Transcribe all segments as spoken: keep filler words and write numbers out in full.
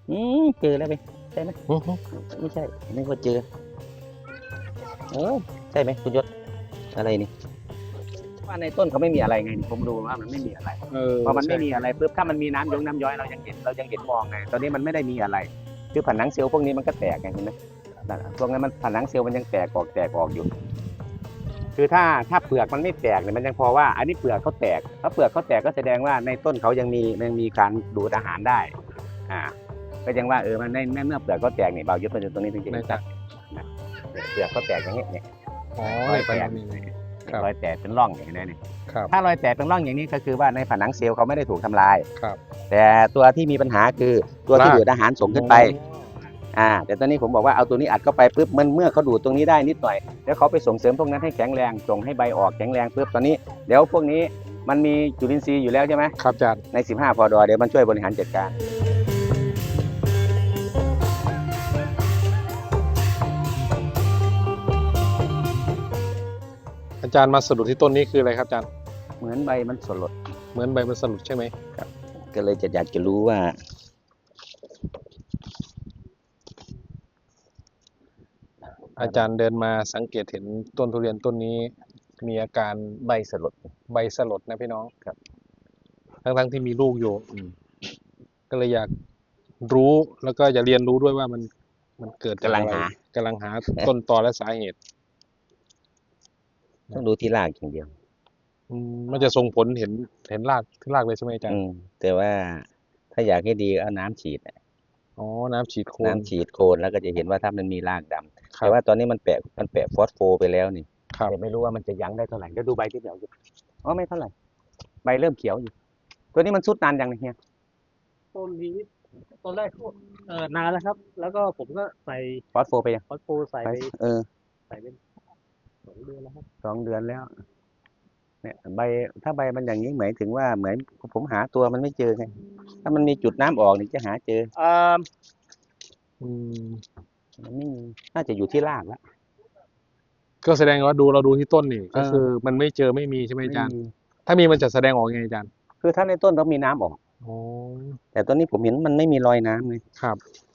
อืมเจอแล้วไปใช่ไหมอื้อหือไม่ใช่นึกว่าเจอเออใช่ไหมคุณยศอะไรนี่ว่าในต้นเขาไม่มีอะไรไงนี่ผมดูว่ามันไม่มีอะไรเออพอมันไม่ใช่มีอะไรปุ๊บถ้ามันมีน้ำยงน้ำย้อยเรายังเห็นเรายังเห็นมองไงตอนนี้มันไม่ได้มีอะไรคือผนังเซลล์พวกนี้มันก็แตกไงเห็นไหมนั่นน่ะพวกนั้นมันผนังเซลล์มันยังแตกออกแตกออกอยู่ คือถ้าถ้าเปลือกมันไม่แตกเนี่ยมันยังพอว่า อันนี้เปลือกเขาแตกถ้าเปลือกเขาแตกก็แสดงว่าในต้นเขายังมียังมีการดูดอาหารได้ อ่า ก็ยังว่าเออมันในเมื่อเปลือกเขาแตกเนี่ยเบายึดมาจากตรงนี้จริงในๆจากนะเปลือกเขาแตกอย่างนี้เนี่ยอ๋อรในอยปัแตนกนี้ครับรอยแตกเป็นร่องอย่างนี้เนี่ยครับถ้ารอยแตกเป็นร่องอย่างนี้ก็คือว่าในผนังเซลล์เขาไม่ได้ถูกทำลายครับแต่ตัวที่มีปัญหาคือตัวที่รากดูดอาหารส่งขึ้นไป อ่าแต่ตอนนี้ผมบอกว่าเอาตัวนี้อัดเข้าไปปุ๊บมันเมื่อเขาดูดตรงนี้ได้นิดหน่อยแล้วเขาไปส่งเสริมพวกนั้นให้แข็งแรงส่งให้ใบออกแข็งแรงปุ๊บตอนนี้เดี๋ยวพวกนี้มันมีจุลินทรีย์อยู่แล้วใช่ไหมครับอาจารย์ในสิบห้าพอดอเดี๋ยวมันช่วยบริหารจัดการอาจารย์มาสะดุดที่ต้นนี้คืออะไรครับอาจารย์เหมือนใบมันสลดเหมือนใบมันสะดุดใช่ไหมก็เลยจะอยากจะรู้ว่าอาจารย์เดินมาสังเกตเห็นต้นทุเรียนต้นนี้ มีอาการใบสลดใบสลดนะพี่น้องครับทั้งๆที่มีลูกอยู่อืมก็เลยอยากรู้แล้วก็จะเรียนรู้ด้วยว่ามันมันเกิดจกำลังอะไรหากำลังหา ต้นตอและสาเหตุต้องดูที่รากอย่างเดียวอืมมันจะส่งผลเห็นเห็นรากที่รากเลยใช่ไหมอาจารอืย์มแต่ว่าถ้าอยากให้ดีก็เอาน้ำฉีดอะอ๋อน้ำฉีดโคนน้ำฉีดโคนแล้วก็จะเห็นว่าถ้ามันมีรากดำครัแต่บว่าตอนนี้มันแปะมันแปะฟอสโฟไปแล้วนี่ครับแต่ไม่รู้ว่ามันจะยั้งได้เท่าไหร่เดี๋ยวดูใบที่เดี๋ยวอยู่อ๋อไม่เท่าไหร่ใบเริ่มเขียวอยู่ ตัวนี้มันสุดนานยังเนี่ยเฮียต้นนี้ตอนแรกก็เออนานแล้วครับ แล้วก็ผมก็ใส่ฟอสโฟไปยังฟอสโฟใส่ไปไปเออใส่เป็นสองเดือนแล้วครับสองเดือนแล้ว เนี่ยใบถ้าใบมันอย่างนี้หมายถึงว่าเหมือนผมหาตัวมันไม่เจอไงถ้ามันมีจุดน้ำออกนี่จะหาเจอเอ่ออืมมันไม่มีน่าจะอยู่ที่รากแล้วก็แสดงว่าดูเราดูที่ต้นนี่เออก็คือมันไม่เจอไม่มีใช่ไหมไม่อาจารย์มีถ้ามีมันจะแสดงออกยังไงอาจารย์คือถ้าในต้นต้องมีน้ำออกอ๋อแต่ตัวนี้ผมเห็นมันไม่มีรอยน้ำเลยครับ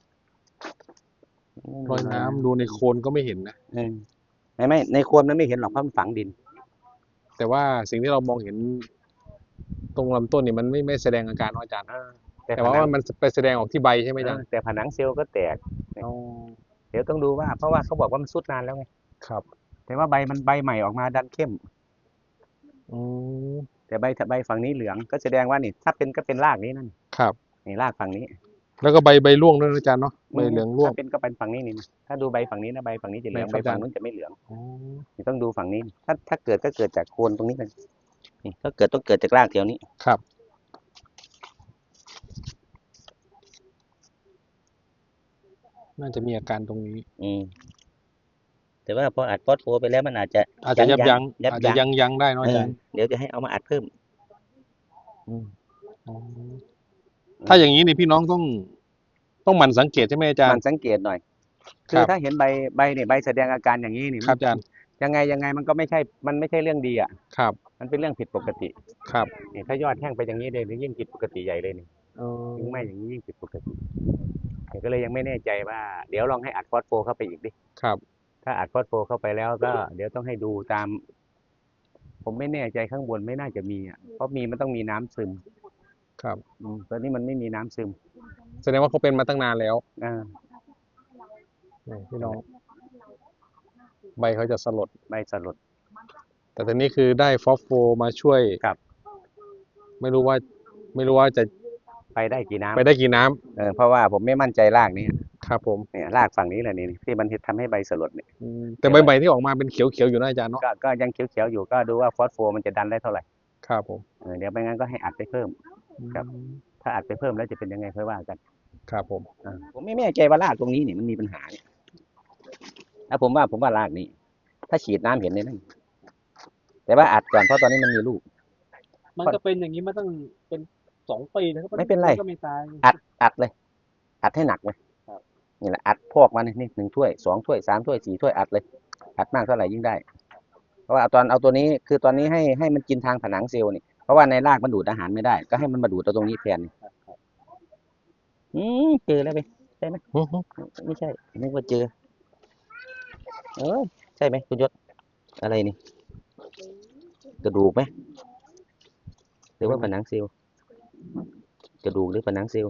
รอยน้ำดูในโคนก็ไม่เห็นนะเออไม่ไม่ในโคนมันไม่เห็นหรอกเพราะมันฝังดินแต่ว่าสิ่งที่เรามองเห็น ตรงลำต้นนี่มันไม่ไม่แสดงอาการเนอะอาจารย์ แต่ผว่านังมันไปแสดงออกที่ใบใช่ไหมอาจารย์เออแต่ผนังเซลล์ก็แตกอ๋อเดี๋ยวต้องดูว่าเพราะว่าเขาบอกว่ามันสุดนานแล้วไงครับแต่ว่าใบมันใบใหม่ออกมาดันเข้มอืมแต่ใบใบฝั่งนี้เหลืองก็แสดงว่านี่ถ้าเป็นก็เป็นรากนี้นั่นครับนี่รากฝั่งนี้แล้วก็ใบใบร่วงด้วยนะอาจารย์เนาะ ใบเหลืองร่วงถ้าเป็นก็เป็นฝั่งนี้นี่นะถ้าดูใบฝั่งนี้นะใบฝั่งนี้จะเหลืองไหนคใบรับฝั่งอาจารย์นู้นจะไม่เหลืองอ๋อนี่ต้องดูฝั่งนี้ ถ้าถ้าเกิดก็เกิดจากโคนตรงนี้เลยนี่ถ้าเกิดต้องเกิดจากรากแถวนี้ครับ น่าจะมีอาการตรงนี้อืมแต่ว่าพออัดฟอสโฟไปแล้วมันอาจจะอาจจะยับยั้งยับอาจจะยั้งยั้งยั้งได้เนอะเออาอจารย์เดี๋ยวจะให้เอามาอัดเพิ่ม อืมอ๋อถ้าอย่างนี้นี่พี่น้องต้อง ต้องหมั่นสังเกตใช่ไหมอาจารมันย์สังเกตหน่อยคคืรัอบ ถ้าเห็นใบใบเนี่ยใบแสดงอาการอย่างนี้นี่ครับอาจารย์ยังไงยังไงมันก็ไม่ใช่ มันไม่ใช่เรื่องดีอ่ะครับมันเป็นเรื่องผิดปกติครับนี่ถ้ายอดแห้งไปอย่างนี้เลยนี่ยิ่งผิดปกติใหญ่เลยนี่เออยิ่งไม่อย่างนี้ยิ่งผิดปกติแต่ก็เลยยังไม่แน่ใจว่า เดี๋ยวลองให้อัดฟอสโฟเข้าไปอีกดิครับถ้าอัดฟอสโฟเข้าไปแล้วก็ เดี๋ยวต้องให้ดูตาม ผมไม่แน่ใจข้างบนไม่น่าจะมีอ่ะ เพราะมีมันต้องมีน้ำซึมครับอืมตอนนี้มันไม่มีน้ำซึมแสดงว่าเขาเป็นมาตั้งนานแล้วอ่านี่พี่น้อง ใบเขาจะสลดใบสลดแต่ตอนนี้คือได้ฟอสโฟมาช่วยครับไม่รู้ว่า ไม่รู้ว่าจะไปได้กี่น้ำไปได้กี่น้ำเออเพราะว่าผมไม่มั่นใจรากนี้ครับผมเนี่ยรากฝั่งนี้แหละนี่ที่มันทำให้ใบสลดเนี่ยอืมแต่ใบใบที่ออกมาเป็นเขียวๆอยู่นะอาจารย์เนาะก็ก็ยังเขียวๆอยู่ก็ดูว่าฟอสโฟมันจะดันได้เท่าไหร่ครับผมเออเดี๋ยวไม่งั้นก็ให้อัดไปเพิ่ม ครับอืมถ้าอัดไปเพิ่มแล้วจะเป็นยังไงค่อยว่ากันครับผมอ่าผมไม่แน่ใจว่ารากตรงนี้เนี่ยมันมีปัญหาเนี่ยถ้าผมว่าผมว่ารากนี้ ถ้าฉีดน้ำเห็นเลยนั่นแต่ว่าอัดก่อนเพราะตอนนี้มันมีลูกมันก็เป็นอย่างนี้มาตั้งเป็นสองปีนะครับไม่เป็นไรก็ไม่ตายอัดอัดเลย อัดให้หนักเลยครับนี่แหละอัดพอกมาเนี่ยนี่หนึ่งถ้วยสองถ้วยสามถ้วยสี่ถ้วยอัดเลย อัดมากเท่าไหร่ยิ่งได้ เพราะว่าเอาตอนเอาตัวนี้คือตอนนี้ให้ให้มันกินทางผนังเซลล์นี่เพราะว่าในรากมันดูดอาหารไม่ได้ ก็ให้มันมาดูดเอาตรงนี้แทนอืมเจอแล้วไปใช่ไหมอื้อหือไม่ใช่นึกว่าเจอเออใช่ไหมคุณยศอะไรนี่กระดูกไหมหรือว่าผนังเซลล์กระดูกหรือผนังเซลล์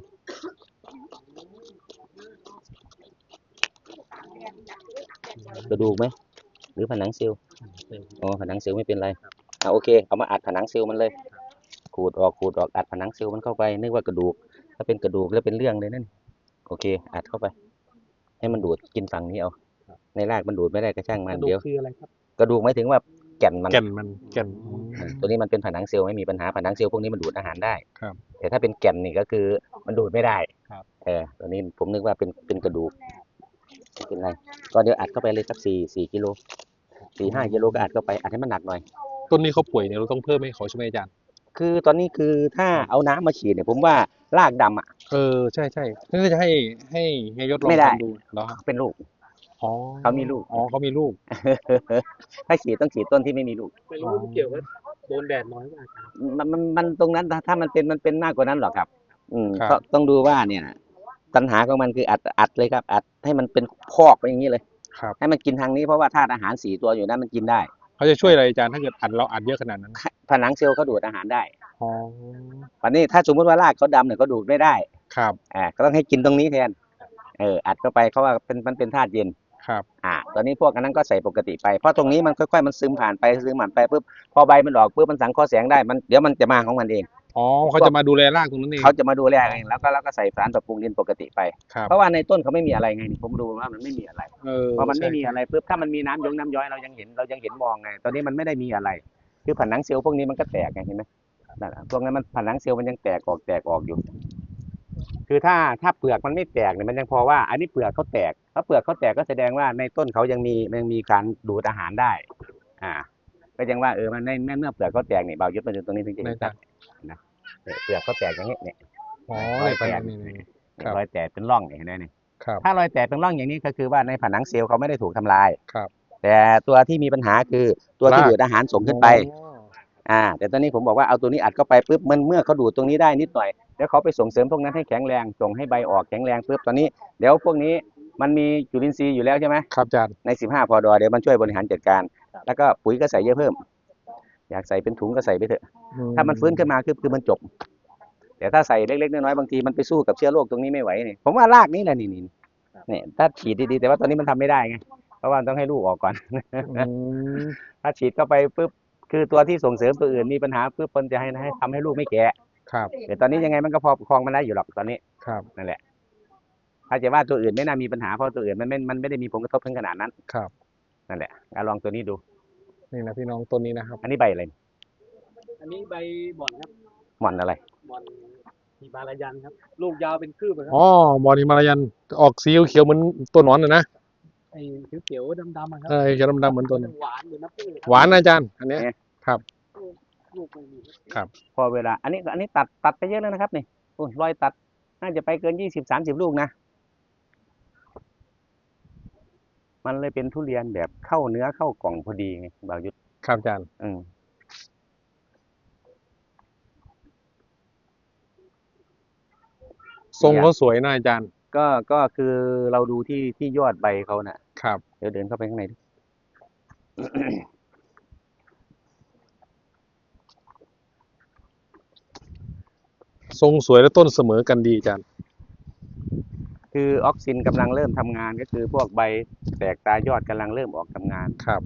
กระดูกไหมหรือผนังเซลล์อ๋อผนังเซลล์ไม่เป็นไรอ่าโอเคเอามาอัดผนังเซลล์มันเลยขูดออกขูดออกอัดผนังเซลล์มันเข้าไปนึกว่ากระดูกถ้าเป็นกระดูกแล้วเป็นเรื่องเลยนั่นโอเคอัดเข้าไปให้มันดูดกินฝั่งนี้เอาในรากมันดูดไม่ได้ก็ช่างกมันระดูเดี๋กยวคืออะไรครับกระดูกหมายถึงว่าแก่นมันแก่นมันแก่นอืมตัวนี้มันเป็นผนังเซลล์ไม่มีปัญหาผนังเซลล์พวกนี้มันดูดอาหารได้ครับแต่ถ้าเป็นแก่นนี่ก็คือมันดูดไม่ได้ครับเออตัวนี้ผมนึกว่าเป็นเป็นกระดูกไม่เป็นไรก็เดี๋ยวอัดเข้าไปเลยสักสี่สี่กิโลสี่ห้ากิโลก็อัดเข้าไปอัดให้มันหนักหน่อยต้นนี้เขาป่วยเนี่ยเราต้องเพิ่มให้เขาใช่ไหมอาจารย์คือตอนนี้คือถ้าเอาน้ำมาฉีดเนี่ยผมว่ารากดำอ่ะเออใช่ใช่นี่จะให้ให้เฮียยศลองไม่ได้ทำดูเหรอครับเป็นลูกอ๋อเขามีลูกอ๋อเขามีลูกถ้าฉีดต้องฉีดต้นที่ไม่มีลูกไม่รู้ว่ามันเกี่ยวกับโดนแดดน้อยมากครับมันมันมันตรงนั้นถ้ามันเป็นมันเป็นมากกว่านั้นหรอกครับ อืมครับก็ต้องดูว่าเนี่ยปัญหาของมันคืออัดอัดเลยครับ อัดให้มันเป็นพอกไปอย่างนี้เลยครับให้มันกินทางนี้เพราะว่าธาตุอาหารสี่ตัวอยู่นั้นมันกินได้เขาจะช่วยอะไรอาจารย์ถ้าเกิดอัดเราอัดเยอะขนาดนั้นผนังเซลล์เขาดูดอาหารได้อ๋อวันนี้ถ้าสมมติว่ารากเขาดำเนี่ยเขาดูดไม่ได้ครับอ่าก็ต้องให้กินตรงนี้แทนเอออัดเข้าไปเขาว่าเป็นมันเป็นธาตุเย็นครับอ่าตอนนี้พวกอันนั้นก็ใส่ปกติไปเพราะตรงนี้มันค่อยๆมันซึมผ่านไปซึมผ่านไปปุ๊บพอใบมันออกปุ๊บมันสังเคราะห์แสงได้มันเดี๋ยวมันจะมาของมันเองอ๋อเขาจะมาดูแลรากตรงนั้นเองเขาจะมาดูแลเองแล้วก็แล้วก็ใส่สารปรับปรุงดินปกติไปครับเพราะว่าในต้นเขาไม่มีอะไรไงนี่ผมดูว่ามันไม่มีอะไรเออพอมันไม่ใช่มีอะไรปุ๊บถ้ามันมีน้ำยงน้ำย้อยเรายังเห็นเรายังเห็นมองไงตอนนี้มันไม่ได้มีอะไร คือผนังเซลล์พวกนี้มันก็แตกไงเห็นไหมนั่นน่ะพวกนั้นมันผนังเซลล์มันยังแตกออกแตกออกอยู่ คือถ้าถ้าเปลือกมันไม่แตกเนี่ยมันยังพอว่าอันนี้เปลือกเขาแตกถ้าเปลือกเขาแตกก็แสดงว่าในต้นเขายังมียังมีการดูดอาหารได้ อ่า ก็ยังว่าเออมันในเมื่อเปลือกเขาแตกเนี่ยเบายึดมาถึงตรงนี้ถึงจะในเห็นตาชัดนะเออเปลือกเขาแตกอย่างนี้เนี่ยอ๋อรอยในแตตากเนี่ยนี่นี่เนี่ยครับรอยแตกเป็นร่องเนี่ยเห็นไหมเนี่ยครับถ้ารอยแตกเป็นร่องอย่างนี้ก็คือว่าในผนังเซลล์เขาไม่ได้ถูกทำลายครับแต่ตัวที่มีปัญหาคือตัวที่รากดูดอาหารส่งขึ้นไปอ๋ออ่าแต่ตอนนี้ผมบอกว่าเอาตัวนี้อัดเข้าไปปุ๊บมันเมื่อเขาดูดตรงนี้ได้นิดหน่อยแล้วเขาไปส่งเสริมพวกนั้นให้แข็งแรงส่งให้ใบออกแข็งแรงปุ๊บตอนนี้เดี๋ยวพวกนี้มันมีจุลินทรีย์อยู่แล้วใช่ไหมครับอาจารย์ในสิบห้าพอดอเดี๋ยวมันช่วยบริหารจัดการ แล้วก็ปุ๋ยก็ใส่เยอะเพิ่ม อยากใส่เป็นถุงก็ใส่ไปเถอะ ถ้ามันฟื้นขึ้นมาคือคือมันจบ แต่ถ้าใส่เล็กๆน้อยๆบางทีมันไปสู้กับเชื้อโรคตรงนี้ไม่ไหวนี่ผมว่ารากนี่แหละนี่นี่เนี่ยถ้าฉีดดีๆแต่ว่าตอนนี้มันทำไม่ได้ไงเพราะว่าต้องให้ลูกออกก่อนอืมถ้าฉีดเข้าไปปุ๊บคือตัวที่ส่งเสริมตัวอื่นมีปัญหาปุ๊บมันจะให้ให้ทำให้ลูกไม่แก่ครับแต่ตอนนี้ยังไงมันก็พอประคองมันได้อยู่หรอกตอนนี้ครับนั่นแหละ ถ้าจะว่าตัวอื่นไม่น่ามีปัญหาเพราะตัวอื่นมันไม่มันไม่ได้มีผลกระทบถึงขนาดนั้นครับนั่นแหละเอาลองตัวนี้ดูนี่นะพี่น้องต้นนี้นะครับอันนี้ใบอะไรอันนี้ใบบ่อนครับหม่อนอะไรบ่อนฮิมาลายันครับ ลูกยาวเป็นคืบอะครับอ๋อบอลฮิมาลายันออกสีเขียวๆเหมือนตัวหนอนน่ะนะไอ้เขียวๆดำๆอะครัเออเขียวดำๆเหมือนตัวหวานเหมือนน้ำผึ้งเลยครับหวานนะอาจารย์อันเนี้ย ครับลูกไม่มีพอเวลา อันนี้อันนี้ตัดตัดไปเยอะแล้วนะครับนี่โอ้ยรอยตัดน่าจะไปเกินยี่สิบสามสิบลูกนะ มันเลยเป็นทุเรียนแบบเข้าเนื้อเข้ากล่องพอดีไงบาวยุทธครับอาจารย์อืมทรงเขาสวยนะอาจารย์ก็ก็คือเราดูที่ที่ยอดใบเขาน่ะครับเดี๋ยวเดินเข้าไปข้างในดิทรงสวยและต้นเสมอกันดีอาจารย์คือออกซินกำลังเริ่มทำงานก็คือพวกใบแตกตายอดกำลังเริ่มออกทำงานครับ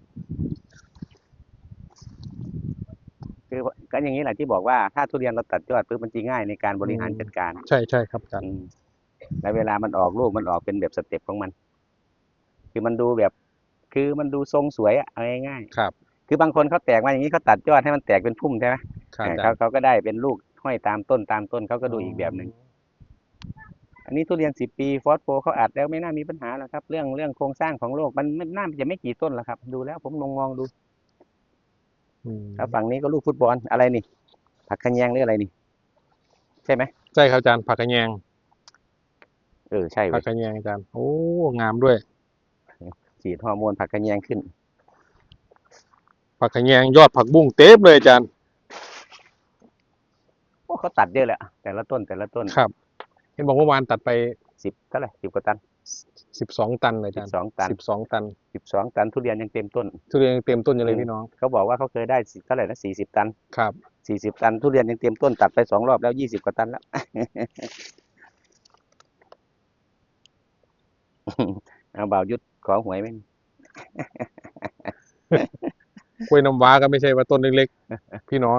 คือก็อย่างนี้แหละที่บอกว่าถ้าทุเรียนเราตัดยอดปุ๊บมันจะง่ายในการบริหารจัดการใช่ใช่ครับอาจารย์อืมแล้วเวลามันออกลูกมันออกเป็นแบบสเต็ปของมัน คือมันดูแบบ คือมันดูทรงสวยอะเอาง่ายครับๆคือบางคนเขาแตกมาอย่างนี้เขาตัดยอดให้มันแตกเป็นพุ่มใช่ไหมครับเอออาจาเขารย์เขาก็ได้เป็นลูกห้อยตามต้นตามต้นเขาก็ดูอีกแบบหนึ่งอันนี้ทุเรียนสิบปีฟอสโฟเขาอัดแล้วไม่น่ามีปัญหาหรอกครับ เรื่องเรื่องโครงสร้างของโลกมันมันน่าจะไม่กี่ต้นหรอกครับ ดูแล้วผมลองมองดูอืมแล้วฝั่งนี้ก็ลูกฟุตบอลอะไรนี่ ผักขะแยงหรืออะไรนี่ ใช่ไหมใช่ครับอาจารย์ผักกระแยงเออใช่เว้ผักยกระแยงอาจารย์ โอ้งามด้วยฉีดฮอร์โมนผักขะแยงขึ้นผักกระแยงยอดผักบุ้งเต็มเลยอาจารย์โอ้เขาตัดเยอะเลยอะแต่ละต้นแต่ละต้นครับเห็นบอกเมื่อวานตัดไปสิบเท่าไหร่สิบกว่าตันสิบสองตันเลยอาสิจารบย์สองตันสิบสองตันสิบสองตันทุเรียนยังเต็มต้นทุเรียนยังเต็มต้นอยู่เลยพี่น้องเขาบอกว่าเขาเคยได้เท่าไหร่นะสี่สิบตันครับสี่สิบตันทุเรียนยังเต็มต้นตัดไปสองรอบแล้วยี่สิบกว่าตันแล้ว เอาบ่าวยุทธขอหวยไหมกล้วยน้ำว้าก็ไม่ใช่ว่าต้นเล็กๆ พี่น้อง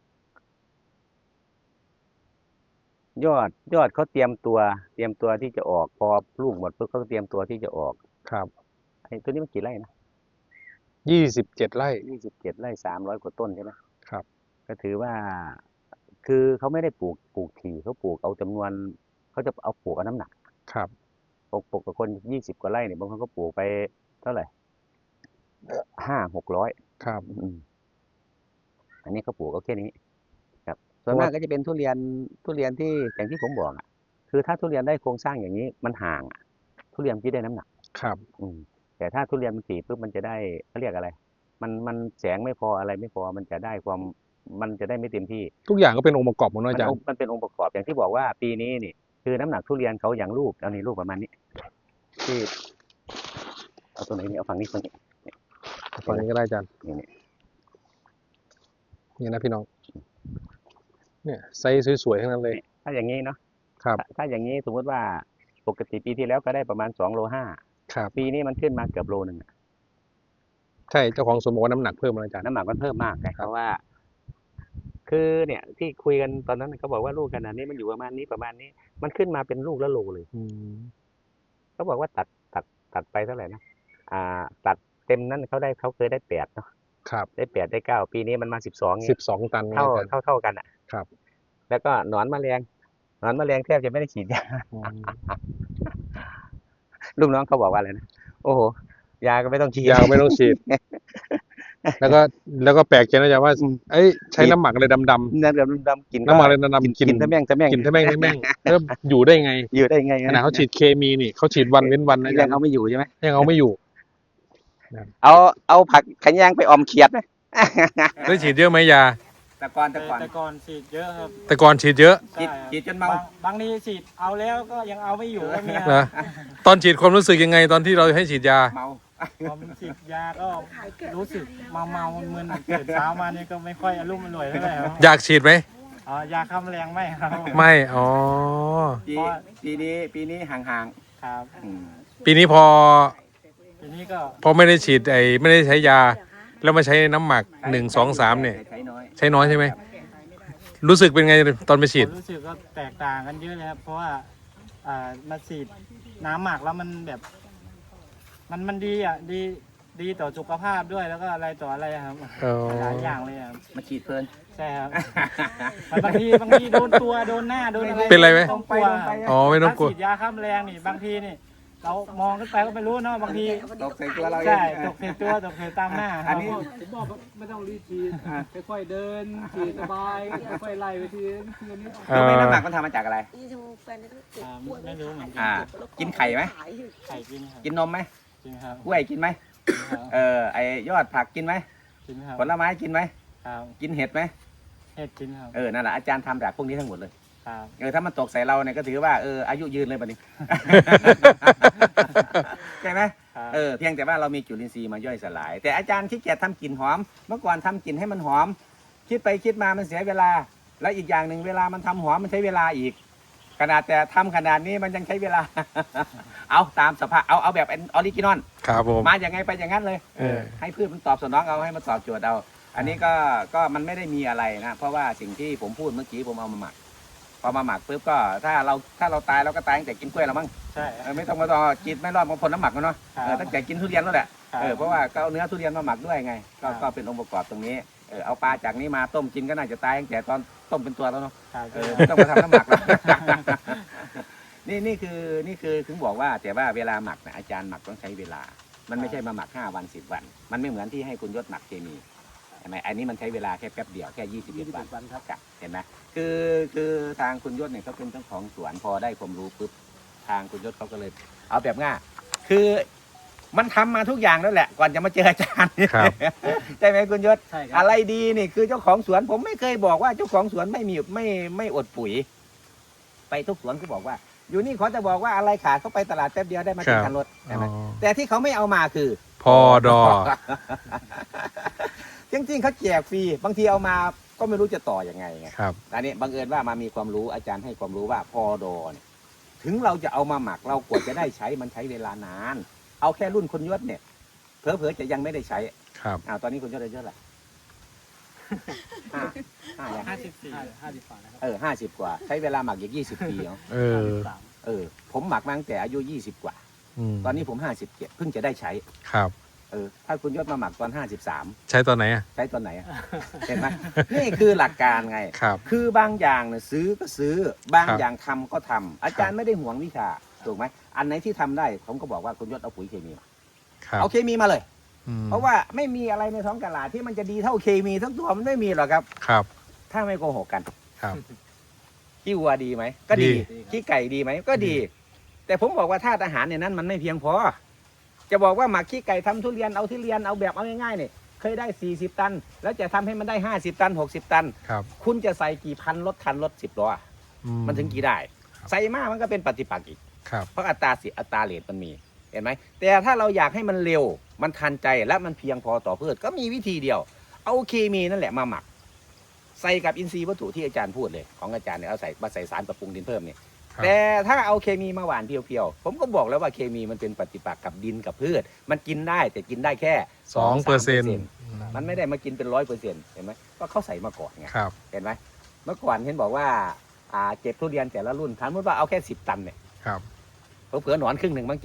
ยอดยอดเขาเตรียมตัว เตรียมตัวที่จะออกพอลูกหมดปุ๊บเขาก็เตรียมตัวที่จะออกครับไอ้ตัวนี้มันกี่ไร่นะยี่สิบเจ็ดไร่ยี่สิบเจ็ดไร่สามร้อยกว่าต้นใช่ไหมครับก็ถือว่า คือเขาไม่ได้ปลูกปลูกถี่เขาปลูกเอาจำนวนเขาจะเอาปลูกเอาน้ำหนักครับปลูกปลูกกับคนยี่สิบกว่าไร่เนี่ยบางคนก็ปลูกไปเท่าไหร่ห้าหกร้อยครับอืมอันนี้เขาปลูกเอาแค่นี้ ครับ ส่วนมากก็จะเป็นทุเรียนทุเรียนที่อย่างที่ผมบอกอ่ะ คือถ้าทุเรียนได้โครงสร้างอย่างนี้มันห่างอะทุเรียนที่ได้น้ำหนักครับอืมแต่ถ้าทุเรียนมันถี่ปุ๊บมันจะได้เขาเรียกอะไร มันมันแสงไม่พออะไรไม่พอมันจะได้ความมันจะได้ไม่เต็มที่ทุกอย่างก็เป็นองค์ประกอบหมดมัเนาะอาจารองย์ค์มันเป็นองค์ประกอบอย่างที่บอกว่าปีนี้นี่ คือน้ำหนักทุเรียนเขาอย่างลูกเอานี่ลูกประมาณนี้ ที่เอาตัวไหนนี่เอาฝั่งนี้ฝั่งนี้ฝั่งนี้ก็ได้อาจารย์นี่นี่นี่นะพี่น้อง เนี่ยไซส์สวยๆทั้งนั้นเลยถ้าอย่างนี้เนาะครับถ้าถ้าอย่างนี้สมมติว่าปกติปีที่แล้วก็ได้ประมาณสองโลห้าครับปีนี้มันขึ้นมาเกือบโลหนึ่งอะใช่เจ้าของสวนบอกว่าน้ำหนักเพิ่มแล้วอาจารย์น้ำหนักมันเพิ่มมากไงเพราะว่า คือเนี่ย ที่คุยกันตอนนั้นเขาบอกว่าลูกขนาดนี้มันอยู่ประมาณนี้ประมาณนี้ มันขึ้นมาเป็นลูกละโลเลยอืมเขาบอกว่าตัดตัดตัดไปเท่าไหร่นะอ่า ตัดเต็มนั้นเขาได้เขาเคยได้แปดเนาะครับได้แปดได้เก้าปีนี้มันมาสิบสองสิบสองตันไงเท่าอาจารย์เท่าเท่ากันอ่ะครับแล้วก็หนอนแมลงหนอนแมลงแทบจะไม่ได้ฉีดยาอืมลูกน้องเขาบอกว่าอะไรนะโอ้โหยาก็ไม่ต้องฉีดยาวไม่ต้องฉีด แล้วก็แล้วก็แปลกใจนะอาจารย์ว่าอืมเอ้ยใช้น้ำหมักอะไรดำนั่นแบบดำๆกินๆน้ำหมักอะไรดำๆกินทะแม่งทะแม่งกินทะแม่งทะแม่งแล้วอยู่ได้ไงอยู่ได้ไงขนาดเขาฉีดเคมีนี่เขาฉีดวันเว้นวันนะอายัจาง รย์เอาไม่อยู่ใช่ไหมยังเอาไม่อยู่เอาเอาผักขยงไปออมเขียดไหมได้ฉีดเยอะไหมยาแต่ก่อนแต่ก่อนแต่ก่อนฉีดเยอะครับแต่ก่อนฉีดเยอะฉีดใช่ครับฉีดจนเมาบางบางทีฉีดเอาแล้วก็ยังเอาไม่อยู่ก็มีคนะรับตอนฉีดความรู้สึกยังไงตอนที่เราให้ฉีดยาเมาพอฉีดยาก็รู้สึกเมาเมาๆมึนๆตื่นเช้ามานี่ก็ไม่ค่อยอารมณ์อร่วยเท่าไหร่ครับอยากฉีดไหมอ๋อยาฆ่าแมลงไม่ครับไม่ อ๋อปีปีนี้ปีนี้ห่างครับๆอืมปีนี้พอทีนี้ก็พอไม่ได้ฉีดไอ้ไม่ได้ใช้ยา แล้วมาใช้น้ำหมักหนึ่งสองสามเนี่ยใช้น้อยใช้น้อยใช่ไหม รู้สึกเป็นไงตอนไปฉีดผมรู้สึกก็แตกต่างกันเยอะเลยครับ เพราะว่าอ่ามาฉีดน้ำหมักแล้วมันแบบ มันมันดีอ่ะดีดีต่อสุขภาพด้วยแล้วก็อะไรต่ออะไรครับอ๋อหลายอย่างเลยครับมาฉีดเพลินใช่ครับบางทีบางทีโดนตัวโดนหน้าโดนอะไรเป็นไรไหมต้องกลัวอ๋อไม่ต้องกลัวถ้าฉีดยาฆ่าแมลงนี่บางทีนี่ เรามองขึ้นไปก็ไม่รู้เนาะบางทีตกใส่ตัวเราเองใช่ตกใส่ตัวตกใส่ตามหน้าคอัรันบนี้ผมบอกว่าไม่ต้องรีบฉีดค่อยๆเดินฉีดสบายค่อยๆไล่ไปทีทีละนิดรู้ไหมน้ำหนักมันทำมาจากอะไรอ่าไม่รู้เหมือนกัอ่า กินไข่ไหมไข่กินครับกินนมไหมกินครับกล้วยกินไหมกินครับเออไอยอดผักกินไหมกินครับผลไม้กินไหมครับกินเห็ดไหมเห็ดกินครับเออนั่นแหละอาจารย์ทำจากพวกนี้ทั้งหมดเลยครับเออถ้ามันตกใส่เราเนี่ยก็ถือว่าเอออายุยืนเลยบัดนี้ ใช่ไหมครับเออเพียงแต่ว่าเรามีจุลินทรีย์มาย่อยสลาย แต่อาจารย์ขี้เกียจทำกลิ่นหอม เมื่อก่อนทำกลิ่นให้มันหอม คิดไปคิดมามันเสียเวลา แล้วอีกอย่างหนึ่งเวลามันทำหอมมันใช้เวลาอีก ขนาดแต่ทำขนาดนี้มันยังใช้เวลา เอาตามสภาพเอาเอาแบบออริจินอลครับผมมาอย่างไงไปอย่างนั้นเลยเออให้พืชมันตอบสนองเอาให้มันตอบโจทย์เอา อันนี้ก็ก็มันไม่ได้มีอะไรนะ เพราะว่าสิ่งที่ผมพูดเมื่อกี้ผมเอามาหมัก พอมาหมักปุ๊บก็ถ้าเราถ้าเราตายเราก็ตายตั้งแต่กินกล้วยแล้วมั้งใช่เออไม่ต้องมาต่อกินไม่รอดมาพ่นน้ำหมักแล้วเนาะครับเออตั้งแต่กินทุเรียนแล้วแหละครับเออเพราะว่าก็เอาเนื้อทุเรียนมาหมักด้วยไง ก็ครับก็เป็นองค์ประกอบตรงนี้เออเอาปลาจากนี้มาต้มกินก็น่าจะตายตั้งแต่ตอนต้มเป็นตัวแล้วเนาะครับเออไม่ต้องมาทำน้ำหมักแล้ว นี่นี่คือนี่คือถึงบอกว่าแต่ว่าเวลาหมักนะอาจารย์หมักต้องใช้เวลา มันไม่ใช่มาหมักห้าวันสิบวัน มันไม่เหมือนที่ให้คุณยศหมักเคมีใช่ไหมอันนี้มันใช้เวลาแค่แป๊บเดียวแค่ยี่สิบเอ็ดวันวันครับครับเห็นไหมคือคือทางคุณยศเนี่ยเขาเป็นเจ้าของสวนพอได้ความรู้ปุ๊บทางคุณยศเขาก็เลย เอาแบบง่ายคือมันทำมาทุกอย่างแล้วแหละ ก่อนจะมาเจออาจารย์ครับใช่ไหมคุณยศใช่ครัอะไรดีนี่คือเจ้าของสวน ผมไม่เคยบอกว่าเจ้าของสวนไม่มีไม่ไม่อดปุ๋ย ไปทุกสวนก็บอกว่าอยู่นี่เขาจะบอกว่าอะไรขาดเขาไปตลาดแป๊บเดียวได้มากินกันรถใช่ไหมอ๋อแต่ที่เขาไม่เอามาคือพอดอจริงๆเขาแจกฟรีบางทีเอามาก็ไม่รู้จะต่ออยังไงไงครับอันนี้บังเอิญว่ามามีความรู้อาจารย์ให้ความรู้ว่าพอดอเนี่ยถึงเราจะเอามาหมักเรากว่าจะได้ใช้มันใช้เวลานาน เอาแค่รุ่นคนยศเนี่ยเผลอๆจะยังไม่ได้ใช้ครับอ้าวตอนนี้คนยศอายุเท่าไหร่ห้าห้ายังห้าสิบสี่ห้าสิบฝ่านะครับเออห้าสิบกว่า ใช้เวลาหมักอีกยี่สิบปีเนาะเออสามเออผมหมักมาตั้งแต่อายุยี่สิบกว่ามตอนนี้ผมห้าสิบเจ็ดเพิ่งจะได้ใช้ครับเออถ้าคุณยศมาหมักตอนห้าสิบสามใช้ตอนไหนอ่ะใช้ตอนไหนอะเห็นไหมนี่คือหลักการไงครับคือบางอย่างเนี่ยซื้อก็ซื้อบางครับอย่างทำก็ทำอาจารย์ไม่ได้ห่วงวิชาถูกไหมอันไหนที่ทำได้ผมก็บอกว่าคุณยศเอาปุ๋ยเคมีมาครับเอาเคมีมาเลยอืมเพราะว่าไม่มีอะไรในท้องตลาดที่มันจะดีเท่าเคมีทั้งตัวมันไม่มีหรอกครับครับถ้าไม่โกหกกันครับขี้วัวดีไหมก็ดีดีขี้ไก่ดีไหมก็ดีดีแต่ผมบอกว่าธาตุอาหารเนี่ยนั้นมันไม่เพียงพอ จะบอกว่าหมักขี้ไก่ทำทุเรียนเอาทุเรียนเอาแบบเอาง่ายๆเนี่ยเคยได้สี่สิบตัน แล้วจะทำให้มันได้ห้าสิบตันหกสิบตันครับคุณจะใส่กี่พันรถคันรถสิบล้ออืมันถึงกี่ได้ครับใส่มากมันก็เป็นปฏิปักษ์อีกครับเพราะอัตราสิอัตราเรทมันมีเห็นไหมแต่ถ้าเราอยากให้มันเร็วมันทันใจและมันเพียงพอต่อพืชก็มีวิธีเดียว เอาเคมีนั่นแหละมาหมัก ใส่กับอินทรีย์วัตถุที่อาจารย์พูดเลยของอาจารย์เนี่ยเอาใส่มาใส่สารปรับปรุงดินเพิ่มเนี่ยครับแต่ถ้าเอาเคมีมาหว่านเพียวๆผมก็บอกแล้วว่าเคมีมันเป็นปฏิปักษ์กับดินกับพืช มันกินได้แต่กินได้แค่สองเปอร์เซ็นต์มันไม่ได้มากินเป็นร้อยเปอร์เซ็นต์เห็นไหมก็เขาใส่มาก่อนไงครับเห็นไหมเมื่อก่อนเห็นบอกว่าอ่าเก็บทุเรียนแต่ละรุ่นถามว่าเอาแค่สิบตันเนี่ยครับเผื่อๆหนอนครึ่งหนึ่งบ้างเจ๊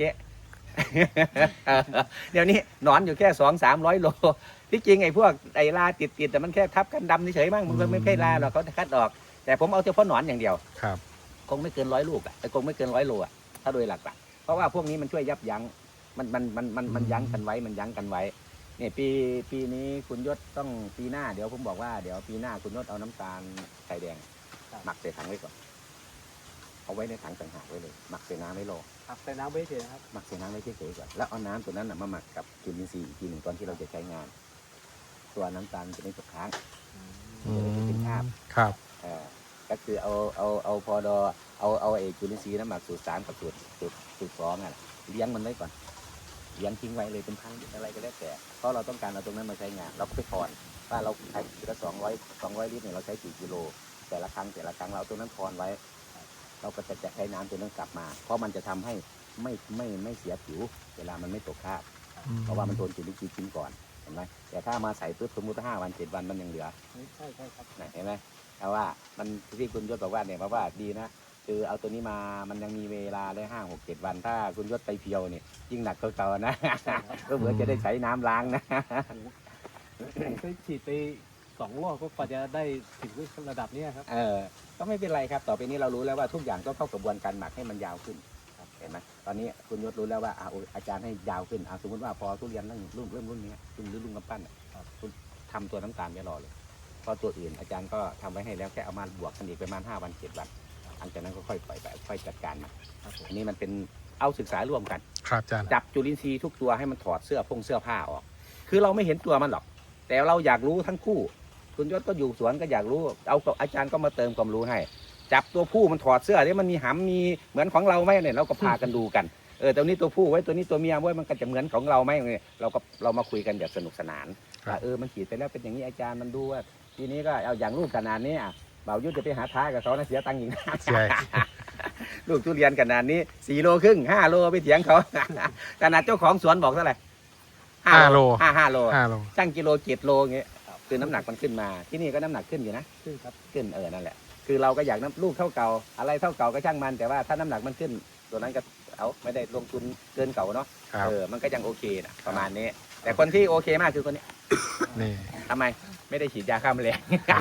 เดี๋ยวนี้หนอนอยู่แค่สองสามร้อยโลที่จริงไอ้พวกไอ้ลาติดติดๆแต่มันแค่ทับกันดำเฉยๆมั้งมันก็ไม่ใช่ลาหรอกเขาคัดออก แต่ผมเอาเฉพาะหนอนอย่างเดียวครับคงไม่เกินร้อยลูกอ่ะแต่คงไม่เกินร้อยโลอ่ะถ้าโดยหลักๆเพราะว่าพวกนี้มันช่วยยับยั้งมันมันมันมันมันยั้งกันไว้มันยั้งกันไว้เนี่ยปีปีนี้คุณยศต้องปีหน้าเดี๋ยวผมบอกว่าเดี๋ยวปีหน้าคุณยศเอาน้ำตาลไข่แดงหมักใส่ถังไว้ก่อนเอาไว้ในถังต่างหากไว้เลยหมักใส่น้ำไว้รอครับแต่น้ำไม่เฉยนะครับหมักใส่น้ำไว้เฉยๆก่อนแล้วเอาน้ำตัวนั้นนะมาหมักกับจุลินทรีย์อีกทีหนึ่งตอนที่เราจะใช้งาน ตัวน้ำตาลจะไม่ตกค้างอืจะได้ไม่มเป็นคราบครับเออก็คือเอาเอาเอาพอดอเอาเอาไอ้จุลินทรีย์น้ำหมักสูตรสามกับสูตรสูตรสูตรสองอ่ะเลี้ยงมันไว้ก่อนเลี้ยงทิ้งไว้เลยเป็นพันอะไรก็แล้วแต่เพราะเราต้องการเอาตรงนั้นมาใช้งานเราก็ไปถอนว่าเราใช้ทีละสองร้อยสองร้อยลิตรเนี่ยเราใช้กี่กิโลแต่ละครั้งแต่ละครั้งเราเอาตรงนั้นถอนไว้ เราก็จะจะใช้น้ำตัวนั้นกลับมา เพราะมันจะทำให้ไม่ไม่ไม่เสียผิว เวลามันไม่ตกคราบ เพราะว่ามันโดนจุลินทรีย์กินก่อนเห็นไหมแต่ถ้ามาใส่ปุ๊บสมมติห้าวันเจ็ดวันมันยังเหลือใช่ใช่ครับนะเห็นไหมแต่ว่ามันที่คุณยศบอกว่าเนี่ยเพราะว่าดีนะคือเอาตัวนี้มามันยังมีเวลาได้ห้าหกเจ็ดวัน ถ้าคุณยศไปเพียวเนี่ยยิ่งหนักเก่าๆนะ ก็เหมือนจะได้ใช้น้ำล้างนะผมเคยฉีดไปสองรอบก็กว่าจะได้ถึงระดับเนี้ยครับเออก็ไม่เป็นไรครับ ต่อไปนี้เรารู้แล้วว่าทุกอย่างต้องเข้ากระบวนการหมักให้มันยาวขึ้นครับเห็นไหมตอนนี้คุณยศรู้แล้วว่าอ่าโอ้ยอาจารย์ให้ยาวขึ้นอ่าสมมติว่าพอทุเรียนเริ่มรุ่นเริ่มรุ่นนี้รุ่นหรือรุ่นกำปั้นอ่ะคุณทำตัวน้ำตาลไว้รอเลยเพราะตัวอื่นอาจารย์ก็ทำไว้ให้แล้วแค่เอามาบวกกันอีกประมาณห้าวันเจ็ดวันหลังจากนั้นก็ค่อยปล่อยไปค่อยจัดการมันอันนี้มันเป็นเอาศึกษาร่วมกันครับอาจารย์จับจุลินทรีย์ทุกตัวให้มันถอดเสื้อพงเสื้อผ้าออก คือเราไม่เห็นตัวมันหรอก แต่เราอยากรู้ทั้งคู่ คุณยศก็อยู่สวนก็อยากรู้ เอากับอาจารย์ก็มาเติมความรู้ให้ จับตัวผู้มันถอดเสื้อที่มันมีหำมีเหมือนของเราไหมเนี่ยเราก็พากันดูกัน เออตัวนี้ตัวผู้ไว้ตัวนี้ตัวเมียไว้มันก็จะเหมือนของเราไหมเนี่ยเราก็เรามาคุยกันแบบสนุกสนานว่าเออมันขีดไปแล้วเป็นอย่างนี้อาจารย์มันดูว่าทีนี้ก็เอาอย่างรูปขนาดนี้อ่ะบ่าวยุทธจะไปหาท้ากับเขานะเสียตังค์อีกนะใช่ลูกทุเรียนขนาดนี้สี่โลครึ่งห้าโลไปเถียงเขา ขนาดเจ้าของสวนบอกเท่าไหร่ห้าโลห้าห้าโลห้าโลช่างกิโลเจ็ดโลอย่างเงี้ยคือน้ำหนักมันขึ้นมา ที่นี่ก็น้ำหนักขึ้นอยู่นะขึ้นครับขึ้นเออนั่นแหละ คือเราก็อยากน้ำลูกเท่าเก่า อะไรเท่าเก่าก็ช่างมัน แต่ว่าถ้าน้ำหนักมันขึ้น ตัวนั้นก็เอาไม่ได้ลงทุนเกินเก่าเนาะครับเออมันก็ยังโอเคนะประมาณนี้ แต่คนที่โอเคมากคือคนนี้นี่ทำไมไม่ได้ฉีดยาฆ่าแมลง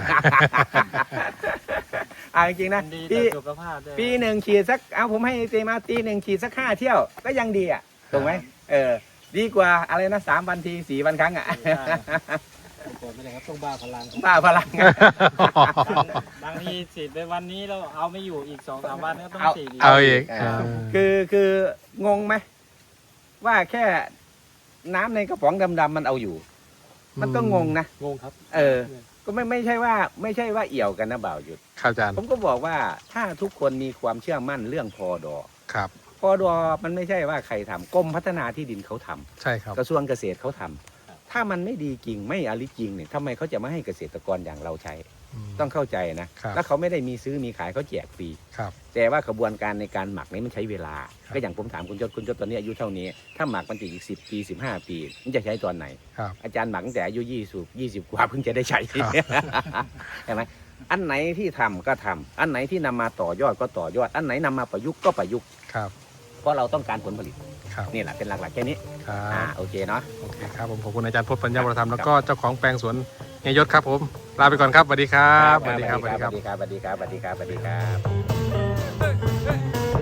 อ่าจริงๆนะมันดีปีต่อสุขภาพด้วยปีหนึ่งฉีดสักเอาผมให้เจมาปีหนึ่งฉีดสักห้าเที่ยวก็ยังดีอ่ะถูกไหมเออดีกว่าอะไรนะสามวันทีสี่วันครั้งอ่ะผมไม่ได้ครับต้องบ้าพลังบ้าพลังบางทีฉีดไปวันนี้เราเอาไม่อยู่อีกสองสามวันก็ต้องเอาฉีดอีกเอาอีกเออ คือคืองงไหมว่าแค่น้ำในกระป๋องดำๆมันเอาอยู่ มันก็งงนะงงครับเออก็ไม่ไม่ใช่ว่าไม่ใช่ว่าเอี่ยวกันนะบ่าวหยุดครับอาจารย์ผมก็บอกว่าถ้าทุกคนมีความเชื่อมั่นเรื่องพอดอครับพอดอมันไม่ใช่ว่าใครทำกรมพัฒนาที่ดินเขาทำใช่ครับกระทรวงเกษตรเขาทำถ้ามันไม่ดีจริงไม่อริจริงเนี่ยทำไมเขาจะไม่ให้เกษตรกรอย่างเราใช้มต้องเข้าใจนะครับ แล้วเขาไม่ได้มีซื้อมีขายเขาแจกฟรีครับแต่ว่ากระบวนการในการหมักนี้มันใช้เวลาครับก็อย่างผมถามคุณยศคุณยศตอนนี้อายุเท่านี้ ถ้าหมักมันจะอีกสิบปีสิบห้าปีมันจะใช้ตอนไหนครับอาจารย์หมักตั้งแต่อายุยี่สิบยี่สิบกว่าเพิ่งจะได้ใช้ครับใช่ไหมอันไหนที่ทำก็ทำอันไหนที่นำมาต่อยอดก็ต่อยอด อันไหนนำมาประยุกต์ก็ประยุกต์ครับเพราะเราต้องการผลผลิตครับนี่แหละเป็นหลักๆแค่นี้ครัอ่าบโอเคเนาะโอเคครับผมขอบคุณอาจารย์พจน์ปัญญาวรธรรมครับแล้วก็เจ้าของแปลงสวนเฮียยศครับผมลาไปก่อนครับสวัสดีครับสวัสดีครับสวัสดีสครับวัสดีครับสวัสดีครับสวัสดีครับสวัสดีครับ